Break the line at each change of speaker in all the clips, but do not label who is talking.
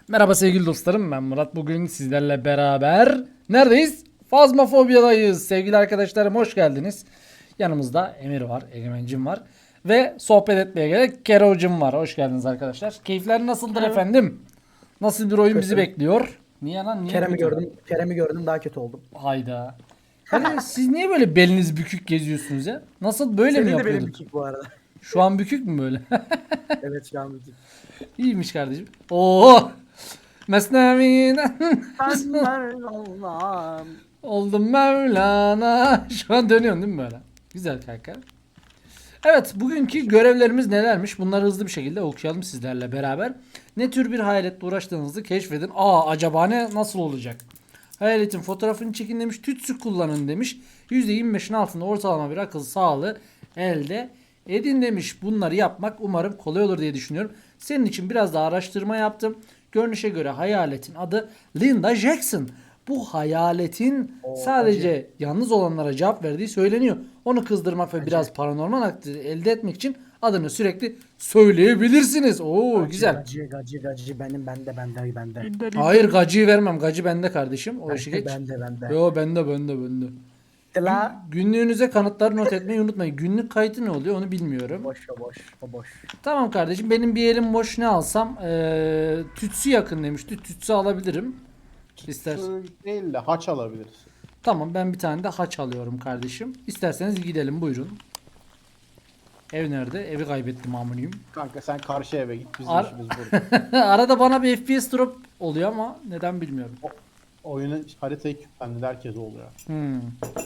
Merhaba sevgili dostlarım, ben Murat. Bugün sizlerle beraber neredeyiz? Fazmafobiya'dayız. Sevgili arkadaşlarım, hoş geldiniz. Yanımızda Emir var, Egemencim var ve sohbet etmeye gelen Kero'cum var. Hoş geldiniz arkadaşlar. Keyifler nasıldır efendim? Nasıl bir oyun bizi
Kötü.
bekliyor? Niye lan? Niye
Kerem'i
kötü?
gördüm. Kerem'i gördüm daha kötü oldum.
Hayda. Hadi siz niye böyle beliniz bükük geziyorsunuz ya? Nasıl, böyle mi
Senin de benim
yapıyorduk?
bükük bu arada.
Şu an bükük mü böyle?
Evet şu an bükük.
İyiymiş kardeşim. Oo! Mesnevi'den
Sen Allah'ım.
oldum Mevlana. Şu an dönüyorsun değil mi böyle? Güzel kanka. Evet, bugünkü görevlerimiz nelermiş? Bunları hızlı bir şekilde okuyalım sizlerle beraber. Ne tür bir hayaletle uğraştığınızı keşfedin. Acaba nasıl olacak? Hayaletin fotoğrafını çekin demiş. Tütsü kullanın demiş. %25'in altında ortalama bir akıl sağlığı elde edin demiş. Bunları yapmak umarım kolay olur diye düşünüyorum. Senin için biraz daha araştırma yaptım. Görünüşe göre hayaletin adı Linda Jackson. Bu hayaletin sadece yalnız olanlara cevap verdiği söyleniyor. Onu kızdırmak ve biraz paranormal aktivite elde etmek için adını sürekli söyleyebilirsiniz. Güzel.
Gacı benim bende.
Hayır, gacıyı vermem. Gacı bende kardeşim. O işi geç.
Bende.
Yo, bende.
La.
Günlüğünüze kanıtları not etmeyi unutmayın. Günlük kayıtı ne oluyor onu bilmiyorum.
O boş.
Tamam kardeşim, benim bir elim boş, ne alsam? Tütsü yakın demişti. Tütsü alabilirim. İstersen.
Su değil de haç alabiliriz.
Tamam, ben bir tane de haç alıyorum kardeşim. İsterseniz gidelim, buyurun. Ev nerede? Evi kaybettim amuniyum.
Kanka sen karşı eve git, bizim
Ar-
işimiz burada.
Arada bana bir FPS drop oluyor ama neden bilmiyorum.
Oyunun haritayı kilitlendi, herkes oluyor.
Hmm.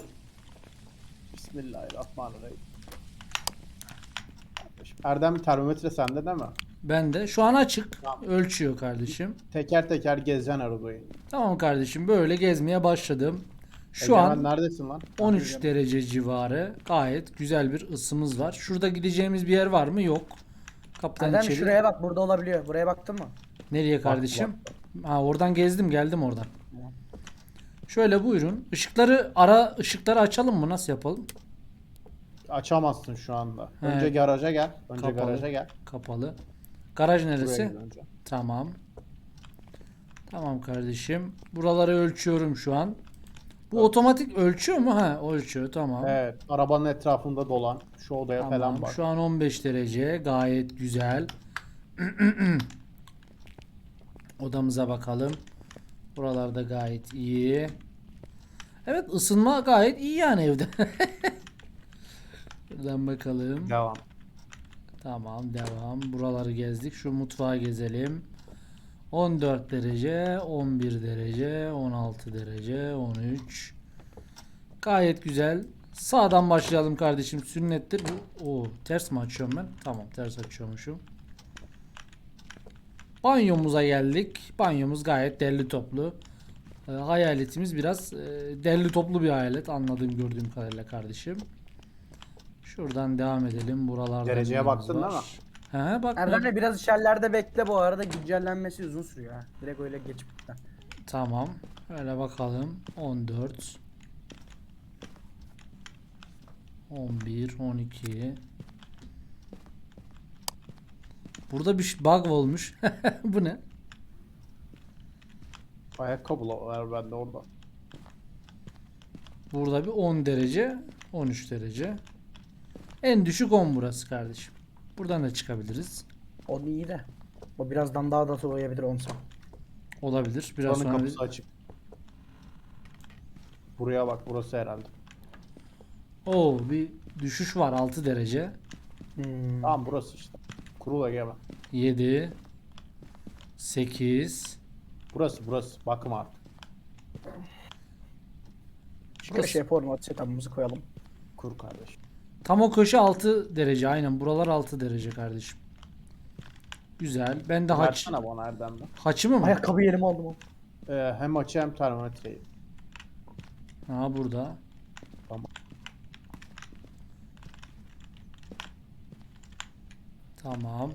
Bismillahirrahmanirrahim. Kardeşim, Erdem, termometre sende değil mi?
Ben de şu an açık.
Tamam.
Ölçüyor kardeşim.
Teker teker gezeceksin arabayı.
Tamam kardeşim, böyle gezmeye başladım. Şu
Egemen,
an
neredesin lan?
13 derece civarı. Gayet güzel bir ısımız var. Şurada gideceğimiz bir yer var mı? Yok. Kapıdan
Erdem
içeri.
şuraya bak burada olabiliyor. Buraya baktın mı?
Nereye kardeşim? Ha, oradan gezdim, geldim oradan. Şöyle buyurun. Işıkları açalım mı? Nasıl yapalım?
Açamazsın şu anda.
He.
Önce garaja gel. Önce
Kapalı.
garaja gel.
Kapalı. Garaj
Buraya
neresi?
gel önce.
Tamam. Tamam kardeşim. Buraları ölçüyorum şu an. Bu otomatik ölçüyor mu? Ha, ölçüyor. Tamam.
Evet, arabanın etrafında dolan. Şu odaya
Tamam.
falan bak.
Şu an 15 derece. Gayet güzel. Odamıza bakalım. Buralarda gayet iyi. Evet, ısınma gayet iyi yani evde. Buradan bakalım.
Devam.
Tamam, devam. Buraları gezdik. Şu mutfağı gezelim. 14 derece, 11 derece, 16 derece, 13. Gayet güzel. Sağdan başlayalım kardeşim. Sünnettir bu. Ters mi açıyorum ben? Tamam, ters açıyormuşum. Banyomuza geldik. Banyomuz gayet derli toplu. Hayaletimiz biraz derli toplu bir hayalet. Anladığım, gördüğüm kadarıyla kardeşim. Şuradan devam edelim. Buralarda
Dereceye
neyimiz
baktın
var?
değil mi?
He, bak.
Erdem biraz içerilerde bekle bu arada güncellenmesi uzun sürüyor ha. Direkt öyle geçip gitme.
Tamam. Öyle bakalım. 14. 11, 12. Burada bir bug olmuş. Bu ne?
Ayakkabılar bende orada.
Burada bir 10 derece, 13 derece. En düşük 10 burası kardeşim. Buradan da çıkabiliriz.
O iyi de. O birazdan daha da soğuyabilir onsa.
Olabilir. Biraz
Buranın
sonra
kapısı açık. Buraya bak, burası herhalde.
bir düşüş var, 6 derece.
Tamam, burası işte. Kurula gel bak.
7 8
Burası. Bakma artık.
Şuraya şey yapalım setup'ımızı koyalım.
Kur kardeşim.
Tam o köşe 6 derece. Aynen, buralar 6 derece kardeşim. Güzel. Ben de
Versene bana Erdem'den.
haçımı mı?
Ayakkabı yerime aldım o.
Hem açı hem termometreyi.
Ha, burada.
Tamam.
Tamam.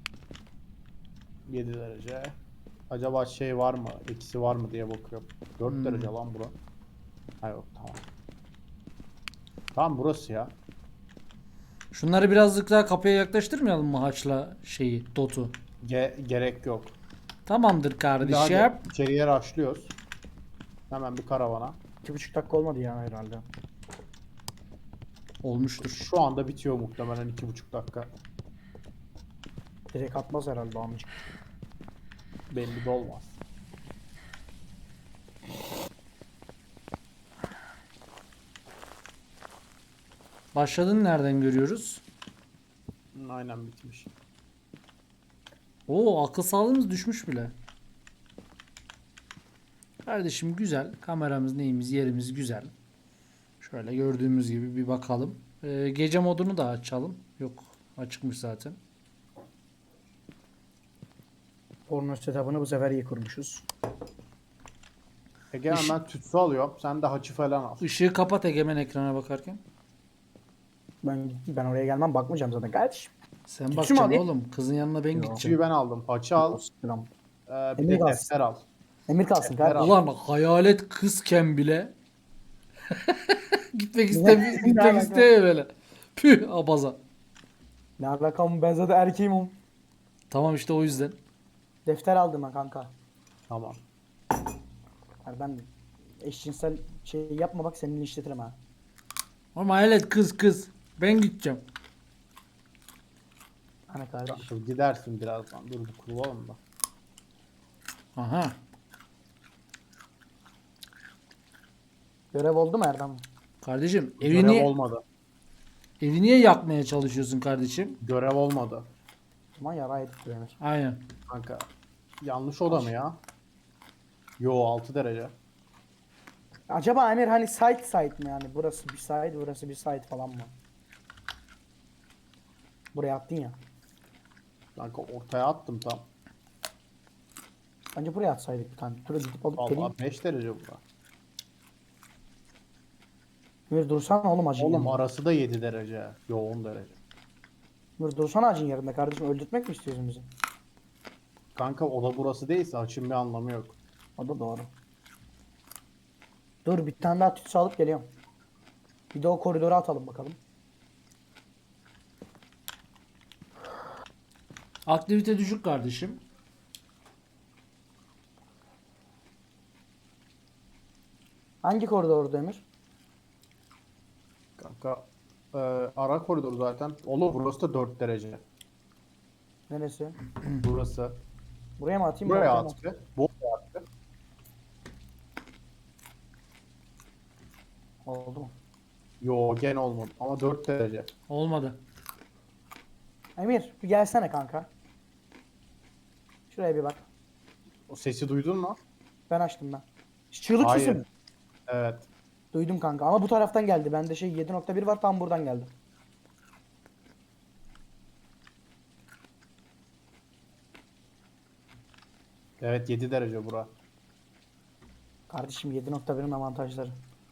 7 derece. Acaba şey var mı? Eksi var mı diye bakıyorum. 4 derece lan bura. Ha yok, tamam. Tamam, burası ya.
Şunları birazcık daha kapıya yaklaştırmayalım mı, haçla dotu?
Gerek yok.
Tamamdır
Şimdi
kardeşim.
hadi içeriye rushlıyoruz. Hemen bir karavana.
2,5 dakika olmadı ya herhalde.
Olmuştur.
Şu anda bitiyor muhtemelen 2,5 dakika.
Direkt atmaz herhalde amcık.
Belli de olmaz.
Başladın nereden görüyoruz?
Aynen bitmiş.
Oo, akıl sağlığımız düşmüş bile. Kardeşim güzel. Kameramız neyimiz yerimiz güzel. Şöyle gördüğümüz gibi bir bakalım. Gece modunu da açalım. Yok, açıkmış zaten.
Porno setup'ını bu sefer iyi kurmuşuz.
Ege ben tütsü alıyorum. Sen de haçı falan al.
Işığı kapat Egemen ekrana bakarken.
Ben oraya gelmem, bakmayacağım zaten kardeşim.
Sen
Tütsü mü
bakacaksın
alayım?
oğlum. Kızın yanına ben
Yok.
gideceğim.
Haçıyı ben aldım. Haçı al.
Selam.
Bir
Emir
de
kalsın.
defter al.
Emir kalsın
Defter
kardeşim.
al.
Ulan hayalet kızken bile gitmek
Ne
gitmek
alaka?
istemiyor böyle. Püh abaza.
Ne alakam, ben zaten erkeğim oğlum.
Tamam işte o yüzden.
Defter aldım ben kanka.
Tamam.
Yani ben eşcinsel şey yapma, bak seninle işletirim ha.
Ama hayalet kız. Ben gideceğim.
Hani kardeş.
Dur, gidersin birazdan. Dur bir kurulalım da.
Aha.
Görev oldu mu Erdem?
Kardeşim
Görev olmadı.
evi niye yakmaya çalışıyorsun kardeşim?
Görev olmadı.
Aman yara yedik bu Emir.
Aynen.
Kanka. Yanlış oda mı ya? Yo 6 derece.
Acaba Emir hani site mi yani? Burası bir site, burası bir site falan mı? Buraya attın ya.
Kanka ortaya attım tam.
Bence buraya atsaydık bir tane. Dur gidip alıp geleyim.
Vallahi 5 derece bura.
Emir dursana oğlum acın
Oğlum
yanında.
arası da 7 derece. Yo 10 derece.
Emir dursana acın yerinde kardeşim, öldürtmek mi istiyorsun bizi?
Kanka oda burası değilse açın bir anlamı yok.
O da doğru. Dur bir tane daha tütsü alıp geliyorum. Bir de o koridora atalım bakalım.
Aktivite düşük kardeşim.
Hangi koridorda Emir?
Kanka ara koridor zaten. Oğlum burası da 4 derece.
Neresi?
Burası.
Buraya mı atayım?
Buraya
Buraya
at bir. Buraya at bir.
Oldu mu?
Yo gene olmadı ama 4 derece.
Olmadı.
Emir bir gelsene kanka. Şuraya bir bak.
O sesi duydun mu?
Ben açtım ben. Çığlık
Hayır.
sesi mi?
Evet.
Duydum kanka ama bu taraftan geldi. Bende şey 7.1 var, tam buradan geldi.
Evet 7 derece bura.
Kardeşim 7.1'in avantajları.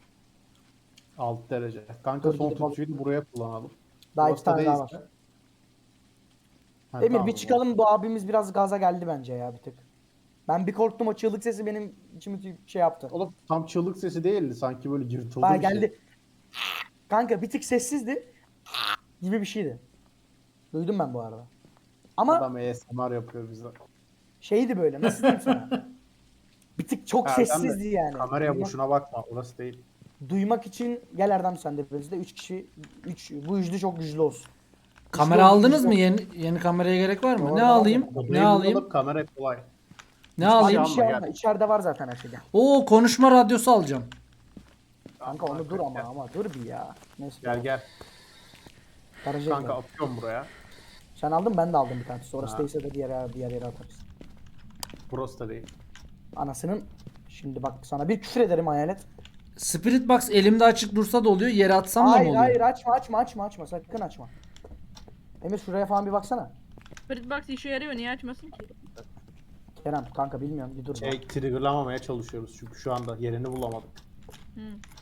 6 derece. Kanka
Dur,
son
gidip al.
tütsüyü de buraya kullanalım.
Daha
Burası
iki
da
tane daha
değilse-
var.
Ha,
Emir
tamam
bir
o zaman.
çıkalım, bu abimiz biraz gaza geldi bence ya bir tık. Ben bir korktum, o çığlık sesi benim içimi şey yaptı.
Oğlum tam çığlık sesi değildi sanki böyle yırtıldı
Ha
bir şey.
geldi. Kanka bir tık sessizdi. Gibi bir şeydi. Duydum ben bu arada. Ama
Adam ASMR yapıyor bize.
şeydi böyle, nasıl diyeyim sana? Bir tık çok
Erdem de
sessizdi yani.
Kameraya
Duymak,
boşuna bakma orası değil.
duymak için gel Erdem, sen de bizde 3 kişi, 3 bu üçlü çok güçlü olsun.
Kamera
Güçlü
aldınız
olsun,
mı?
güçlü
Yeni kameraya gerek var mı?
Doğru,
Ne
var
alayım?
zaten.
Ne
Odayı
alayım?
bulalım kamera kolay.
Ne
olsun.
alayım?
Bir şey
alma,
alma.
gel.
İçeride var zaten her şey. Gel.
Oo, konuşma radyosu alacağım.
Kanka onu dur ama dur bir ya. Neyse.
Gel gel.
Garaja
Kanka
gidelim.
atıyorum buraya.
Sen aldın, ben de aldım bir tane. Orası
Ha.
değilse de diğer yere atarız.
Burası da değil.
Anasının, şimdi bak sana bir küfür ederim hayalet.
Spirit Box elimde açık dursa da oluyor. Yere atsam da mı
Hayır
oluyor?
hayır, açma sakın açma. Emir şuraya falan bir baksana.
Spirit Box işe yarıyor, niye açmasın ki?
Kerem kanka bilmiyorum, bir dur.
Şey triggerlamamaya çalışıyoruz çünkü şu anda yerini bulamadık.
Hı.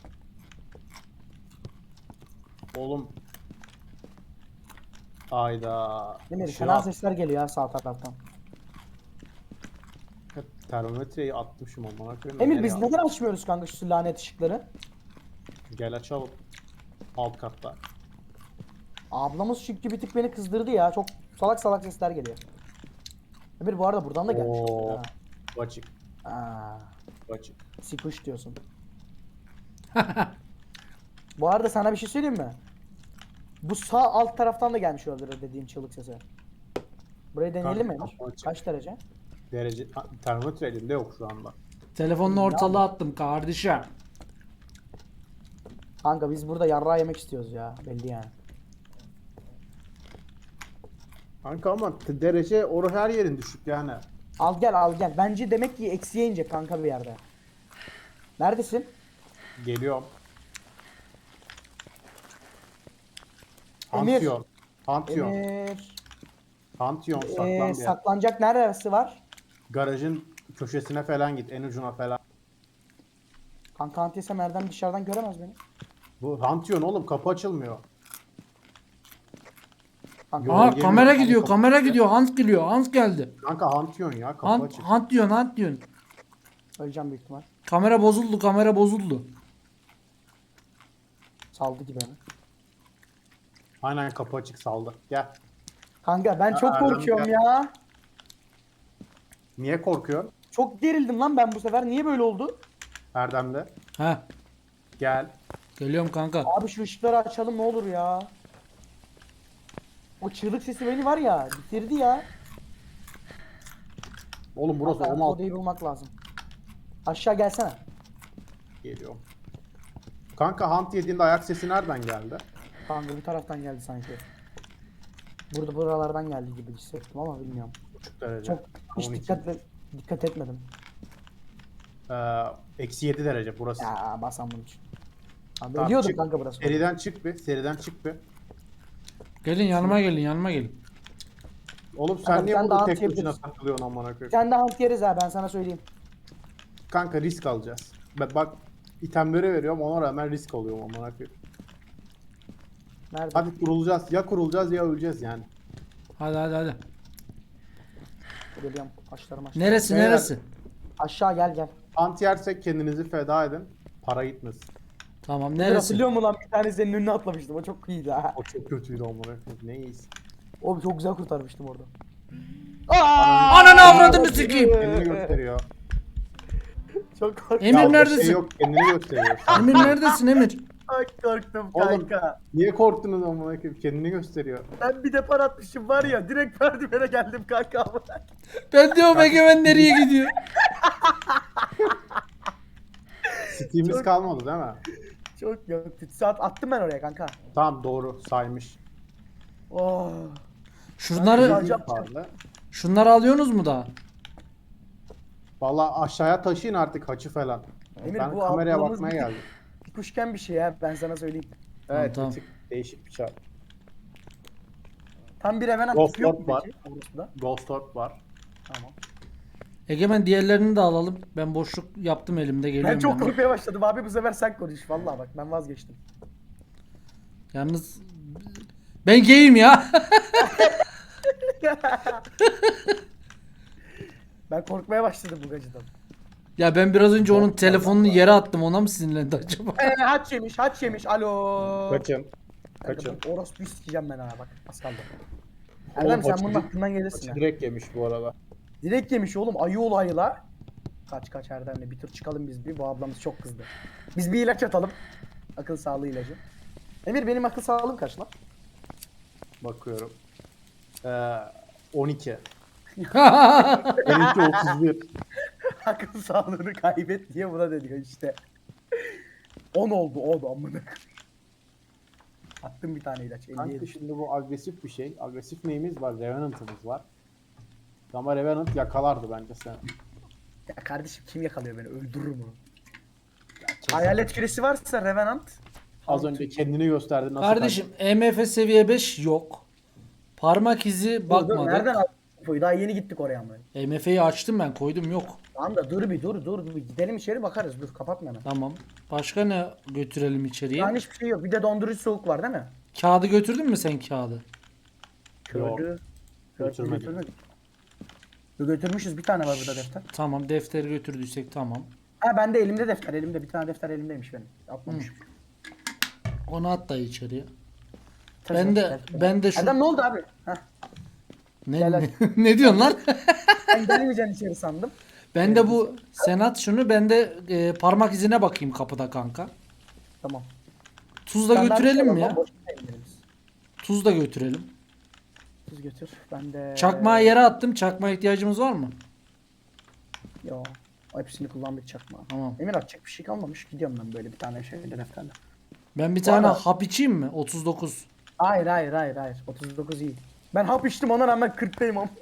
Oğlum. Ayda.
Emir
Işığı
fena
at-
sesler geliyor ya sağ taraftan.
Termometreyi atmışım amına koyayım.
Emir
Nereye
biz
attım?
neden açmıyoruz kanka şu lanet ışıkları?
Gel açalım. Alt katta.
Ablamız çünkü bir tık beni kızdırdı ya. Çok salak salak sesler geliyor. Emir bu arada buradan da gelmiş.
Oo.
Ha.
Açık.
Aa,
Açık.
sikuş diyorsun. Bu arada sana bir şey söyleyeyim mi? Bu sağ alt taraftan da gelmiş olabilir dediğin çığlık sesi. Burayı deneyelim mi?
Kanka,
Emir?
kapı açık.
Kaç derece?
Derece termometre elimde yok şu anda.
Telefonla ortalığa attım kardeşim.
Kanka biz burada yarrağı yemek istiyoruz ya. Belli yani.
Kanka ama derece her yerin düşük yani.
Al gel al gel. Bence demek ki eksiye inecek kanka bir yerde. Neredesin?
Geliyorum.
Emir.
Pantheon. Pantheon.
Emir.
Pantheon saklan bir yer.
Saklanacak neresi var?
Garajın köşesine falan git. En ucuna falan.
Kanka antiyesem Erdem dışarıdan göremez beni.
Bu Pantheon oğlum kapı açılmıyor.
Kanka,
Yok.
Aha
Geliyor,
kamera
geliyor.
gidiyor, kamera gidiyor. Hunt geliyor, Hunt geldi.
Kanka Pantheon ya kapı
Hunt,
açık.
Hunt diyorsun, Hunt diyorsun.
öleceğim büyük ihtimal.
Kamera bozuldu, kamera bozuldu.
Saldı gibi beni.
Aynen kapı açık saldı. Gel.
Kanka ben çok
Erdem
korkuyorum
gel.
ya.
Niye korkuyorsun?
Çok gerildim lan ben bu sefer. Niye böyle oldu?
Erdem'de.
Ha,
Gel.
geliyorum kanka.
Abi şu ışıkları açalım ne olur ya. O çığlık sesi beni var ya bitirdi ya.
Oğlum burası
Kanka,
16
odayı bulmak lazım. Aşağı gelsene.
geliyor. Kanka Hunt yediğinde ayak sesi nereden geldi?
Kanka bu taraftan geldi sanki. Burada buralardan geldi gibi hissettim ama bilmiyorum.
Buçuk derece.
Çok hiç
12.
dikkat etmedim.
Eksi 7 derece burası.
Ya basam bunun için. Abi
Tamam,
ölüyordum
çık.
kanka burası.
Seriden çık bir. Seriden çık bir.
Gelin yanıma gelin, yanıma gelin.
Oğlum
Kanka,
sen niye
sen
burada
daha
tek
atayabilirsin.
başına takılıyorsun amına koyayım?
Sen de hant yeriz ha ben sana söyleyeyim.
Kanka risk alacağız. Bak itemleri veriyorum ona rağmen risk alıyorum amına koyayım.
Nerede?
Hadi kurulacağız. Ya kurulacağız ya öleceğiz yani.
Hadi hadi hadi.
Geliyorum. Başlarım aşağı.
Neresi,
Beyler.
neresi?
Aşağı gel gel.
Ant yersek kendinizi feda edin. Para gitmesin.
Tamam,
Bir
neresi?
hatırlıyor musun lan bir tane senin önüne atlamıştım. O çok iyiydi ha.
O çok kötüydü amına koyayım. Ne iyiyiz.
O çok güzel kurtarmıştım orada.
Ananı avradını sikeyim.
Kendini gösteriyor.
Çok korktum.
Emir
Ya bir
neredesin?
Şey yok kendini gösteriyor.
Emir neredesin Emir?
Çok korktum
Oğlum
kanka.
niye korktunuz amına koyayım? Kendini gösteriyor.
Ben bir depar atmışım var ya direkt merdivene geldim kanka.
Ben diyorum Egemen nereye gidiyor?
Steam'imiz
Çok-
kalmadı değil mi?
Çok yok. Saat attım ben oraya kanka.
Tamam doğru saymış.
Oh.
Şunları,
Hocam.
şunları alıyorsunuz mu daha?
Valla aşağıya taşıyın artık haçı falan.
Emir,
Ben
bu
kameraya
ablamız
bakmaya
bir-
geldim.
Kuşken bir şey ya ben sana söyleyeyim.
Evet
tamam.
bir tık değişik bir çay.
Tam bir hemen
Ghost
atıyor mu
Orb var.
peki? Orospu'da?
Ghost Orb var.
Tamam.
Egemen diğerlerini de alalım. Ben boşluk yaptım elimde, geliyorum.
Ben çok
yanına.
korkmaya başladım abi bu sefer sen konuş. Vallahi bak ben vazgeçtim.
Yalnız ben geyim ya.
Ben korkmaya başladım bu gacıdan.
Ya ben biraz önce onun telefonunu yere attım. Ona mı sinirlendi acaba?
Haç yemiş, haç yemiş. Alo.
Kaçın.
Kanka,
Kaçın.
bak, orospuyu sikeceğim ben ha bak. Az kaldı.
Oğlum,
Erdem sen
haçı
bunun
direkt-
aklından gelirsin
Haçı
ha.
direkt yemiş bu arada.
Direkt yemiş oğlum ayı olayı la. Kaç Erdem'le bir tur çıkalım biz bir. Bu ablamız çok kızdı. Biz bir ilaç atalım. Akıl sağlığı ilacı. Emir benim akıl sağlığım kaç lan?
Bakıyorum. 12. Benimki 31.
Akıl sağlığını kaybet diye buna deniyor işte. 10 oldu 10 amına. Attım bir tane ilaç. 50'ye
Kanka
düştü.
şimdi bu agresif bir şey. Agresif neyimiz var? Revenant'ımız var. Ama Revenant yakalardı bence seni.
Ya kardeşim kim yakalıyor beni öldürür mü? Hayalet küresi varsa Revenant.
Az önce kendini gösterdi nasıl
Kardeşim EMF seviye 5 yok. Parmak izi
Dur, nereden
bakmadık.
aldın? infoyu? Daha yeni gittik oraya ama.
EMF'yi açtım ben, koydum, yok.
Tamam da dur bir gidelim içeri bakarız dur kapatma hemen.
Tamam. Başka ne götürelim içeriye?
Yani hiçbir şey yok. Bir de dondurucu soğuk var değil mi?
Kağıdı götürdün mü sen kağıdı?
Yok.
Götürmedik.
Götürmedik.
Götürmüşüz bir tane var burada defter.
Tamam, defteri götürdüysek tamam.
Ha bende elimde defter elimde bir tane defter elimdeymiş benim. Atmamışım.
Onu at da içeriye.
Tabii,
Ben de
defter.
ben de şu
Erdem ne oldu abi? Heh.
Ne,
Gel
ne, ne diyorsun lan?
Ben gelmeyeceksin içeri sandım.
Ben de bu senat şunu ben de parmak izine bakayım kapıda kanka.
Tamam.
Tuz da
Standart
götürelim
şey
mi
var,
ya?
boşuna indiririz.
Tuz da götürelim.
Tuz götür. Ben de...
Çakmağı yere attım. Çakmağa ihtiyacımız var mı?
Yo. Hepsini kullandık çakmağı.
Tamam.
Emir atacak bir şey kalmamış. Gidiyorum ben böyle bir tane şeyle defterle.
Ben bir
Bu
tane
arada-
hap içeyim mi? 39.
Hayır. 39 iyi. Ben hap içtim ona rağmen 40'tayım ama.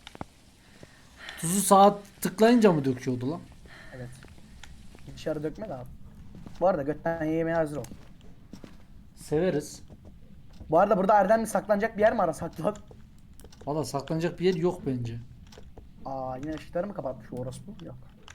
Tuzu sağa tıklayınca mı döküyordu lan?
Evet. Dışarı dökme de abi. Bu arada götten yemeye hazır ol.
Severiz.
Bu arada burada Erdem'le saklanacak bir yer mi arasak lan?
Valla saklanacak bir yer yok bence.
Aa yine ışıkları mı kapatmış o orospu? Yok.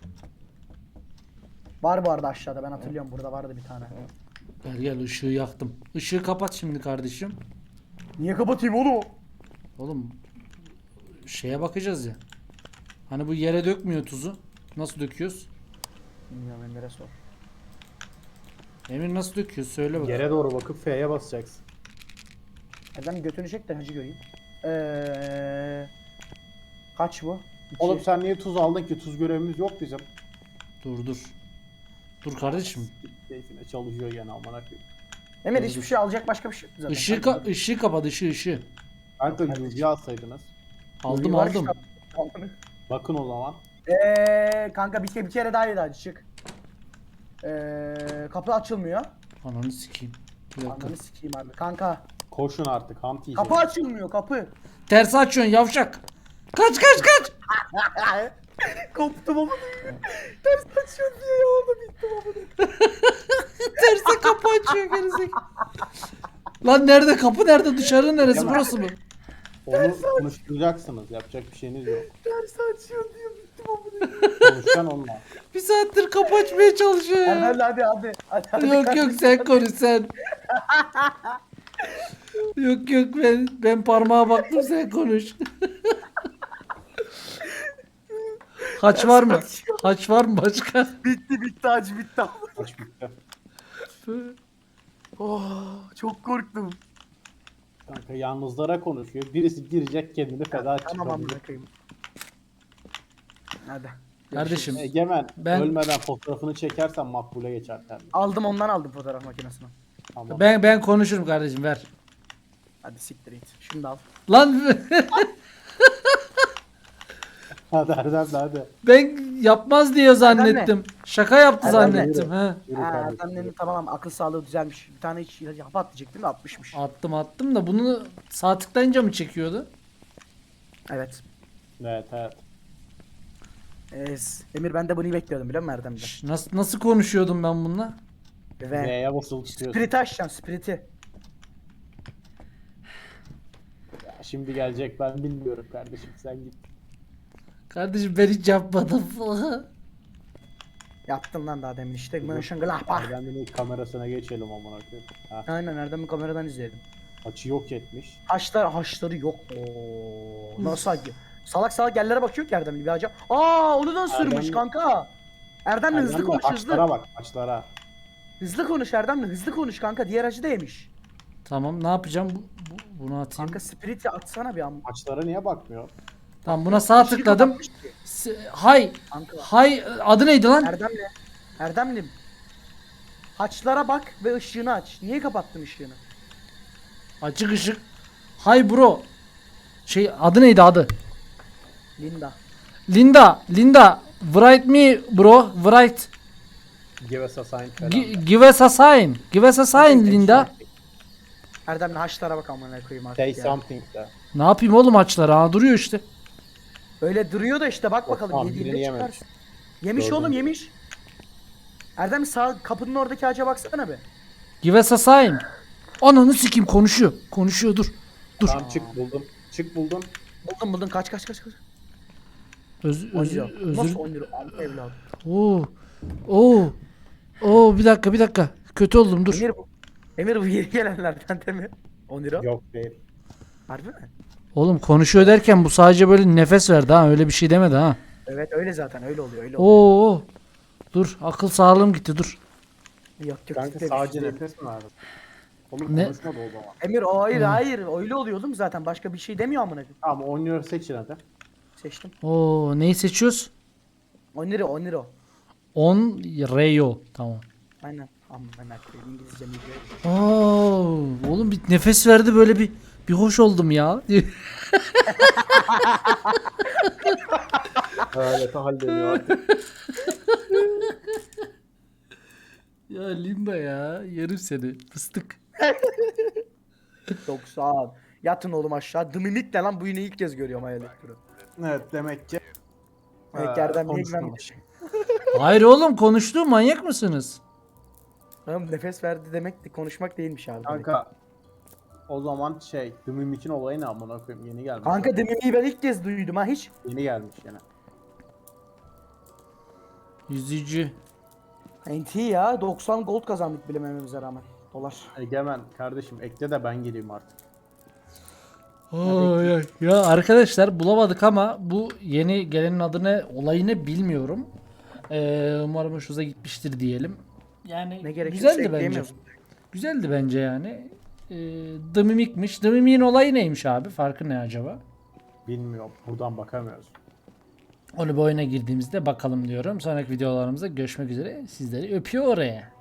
Var bu arada aşağıda ben hatırlıyorum burada vardı bir tane.
Gel gel ışığı yaktım. Işığı kapat şimdi kardeşim.
Niye kapatayım oğlum?
Oğlum şeye bakacağız ya. Hani bu yere dökmüyor tuzu. Nasıl döküyoruz?
Bilmiyorum Emir'e sor.
Emir nasıl döküyor? Söyle bak.
Yere doğru bakıp F'ye basacaksın.
Erdem götünü çek de hacı göreyim. Kaç bu? İki.
Oğlum sen niye tuz aldın ki? Tuz görevimiz yok bizim.
Dur dur. Dur kardeşim.
Keyfine çalışıyor gene amına koyayım.
Emir
Dur,
hiçbir
dur.
şey alacak başka bir şey yok zaten.
Işığı kapat ışığı.
Kanka yüzüğü alsaydınız.
Aldım
Var
aldım.
işte.
Bakın o zaman.
Kanka bir kere daha yedi hacı çık. Kapı açılmıyor.
Ananı sikeyim. Bir dakika.
Ananı sikeyim abi. Kanka
Koşun artık. Hunt yiyeceğiz.
kapı açılmıyor kapı.
Tersi açıyorsun yavşak. Kaç.
Koptum ama. Ters açıyor diye ya orada bittim ama.
Terse kapı açıyor gerizekalı. Lan nerede kapı nerede dışarı neresi
Yalan.
burası mı?
Onu konuşturacaksınız. Yapacak bir şeyiniz yok.
Ters açıyor diye bittim ama.
Konuşacaksın onunla.
Bir saattir kapı açmaya çalışıyor ya.
Hadi.
Yok sen konuş sen. Yok ben parmağa baktım sen konuş. Haç var mı? Haç var mı başka?
Bitti hacı bitti.
Aç bitti.
Oh, çok korktum.
Kanka yalnızlara konuşuyor. Birisi girecek kendini feda
Tamam
çıkabilir.
amına koyayım. Hadi.
Kardeşim
Egemen
Ben-
ölmeden fotoğrafını çekersen makbule geçer kendini.
Ondan aldım fotoğraf makinesini.
Tamam.
ben konuşurum kardeşim ver.
Hadi siktir git. Şunu da al.
Lan
Hadi Erdem de hadi.
ben yapmaz diye zannettim. Şaka yaptı
Erdem ne?
zannettim ha.
Yürü
Ha,
kardeşim.
Erdem'in tamam akıl sağlığı düzelmiş. Bir tane hiç hap atlayacaktım da atmışmış.
Attım da bunu sağ tıklayınca mı çekiyordu?
Evet.
Evet.
Emir ben de bunu bekliyordum biliyor musun Erdem'den?
Nasıl konuşuyordum ben bununla?
Ve
V'ye basılı tutuyorsun.
Spirit'i açacaksın Spirit'i.
Ya şimdi gelecek ben bilmiyorum kardeşim sen git.
Kardeşim ben hiç yapmadım.
Yaptım lan daha demin işte. Mönchengladbach.
Erdem'in ilk kamerasına geçelim amına koyayım. Ha,
Aynen Erdem'i kameradan izledim.
açı yok etmiş.
Haçları yok. Oo, nasıl acı? Salak yerlere bakıyor ki Erdem bir acaba. Aa onu da ısırmış
Erdem-
kanka. Erdem'le hızlı
Erdem de
konuş
açlara
hızlı.
bak açlara.
Hızlı konuş Erdem'le hızlı konuş kanka. Diğer acı da yemiş.
Tamam ne yapacağım? Bunu atayım.
Kanka Spirit'i atsana bir an.
Açlara niye bakmıyor?
Tamam buna sağ
Bir şey
tıkladım.
kapatmış ki.
Hay.
Kanka.
Hay adı neydi lan?
Erdem'lim. Haçlara bak ve ışığını aç. Niye kapattın ışığını?
Açık ışık. Hay bro. Adı neydi adı?
Linda.
Linda. Write me bro. Write.
Give us a sign falan.
Give us a sign. Give us a sign Linda.
Erdem'le haçlara bak amına koyayım artık
Say
ya.
something de.
Ne yapayım oğlum açları? Ha duruyor işte.
Öyle duruyor da işte bak
Yok,
bakalım
tamam,
yediğinde
birini yememiş.
çıkarsın. Yemiş
Gördüm.
oğlum yemiş. Erdem sağ kapının oradaki ağaca baksana be.
Give us a sign. Ananı sikeyim konuşuyor. Konuşuyor dur. Dur.
Tamam çık buldum. Çık buldum.
Buldum kaç.
Özür
10 lira. Nasıl
özür.
10 lira? Al evladım.
Oo bir dakika. Kötü oldum dur.
Emir bu yeni gelenlerden değil mi? 10 lira.
Yok değil.
Harbi mi?
Oğlum konuşuyor derken bu sadece böyle nefes verdi ha. Öyle bir şey demedi ha.
Evet öyle zaten öyle oluyor.
Oo. Dur akıl sağlığım gitti dur.
Yok
Kanka
ciddi bir
sadece
şey değil.
nefes mi verdin? Oğlum
Ne?
konuşmadı o zaman.
Emir o hayır öyle oluyor oğlum zaten başka bir şey demiyor amına koyayım.
Tamam oynuyor seçin hadi.
Seçtim.
Oo, neyi seçiyoruz?
Oniro.
On Rayo. Tamam.
Aynen. Amına koyayım İngilizce mi?
Oo, oğlum bir nefes verdi böyle bir hoş oldum ya.
Öyle hallediyor artık.
Ya Limba ya. Yerim seni. Fıstık.
90. Yatın oğlum aşağı. Dımimik de lan bu yine ilk kez görüyorum hayalet türü.
Evet demek ki.
Eklerden niye
konuşmamış.
güvenmedim?
Hayır oğlum konuştu, manyak mısınız?
Oğlum nefes verdi demek de konuşmak değilmiş abi. demek.
Kanka o zaman The Mimic'in olayı ne amına koyayım yeni gelmiş.
Kanka dımimiği ben ilk kez duydum ha hiç.
Yeni gelmiş yine.
Yüzücü.
NT ya 90 gold kazandık bilemememize rağmen. Dolar.
Egemen kardeşim ekle de ben geleyim artık.
Ay, ay. Ya arkadaşlar bulamadık ama bu yeni gelenin adını, olayını bilmiyorum. Umarım hoşunuza gitmiştir diyelim. Yani
Ne gerekiyorsa
güzeldi bence.
ekleyemiyorsun.
Güzeldi bence yani. The Mimic'miş. The Mimic'in olayı neymiş abi? Farkı ne acaba?
Bilmiyorum buradan bakamıyoruz.
Onu bir oyuna girdiğimizde bakalım diyorum. Sonraki videolarımızda görüşmek üzere. Sizleri öpüyor oraya.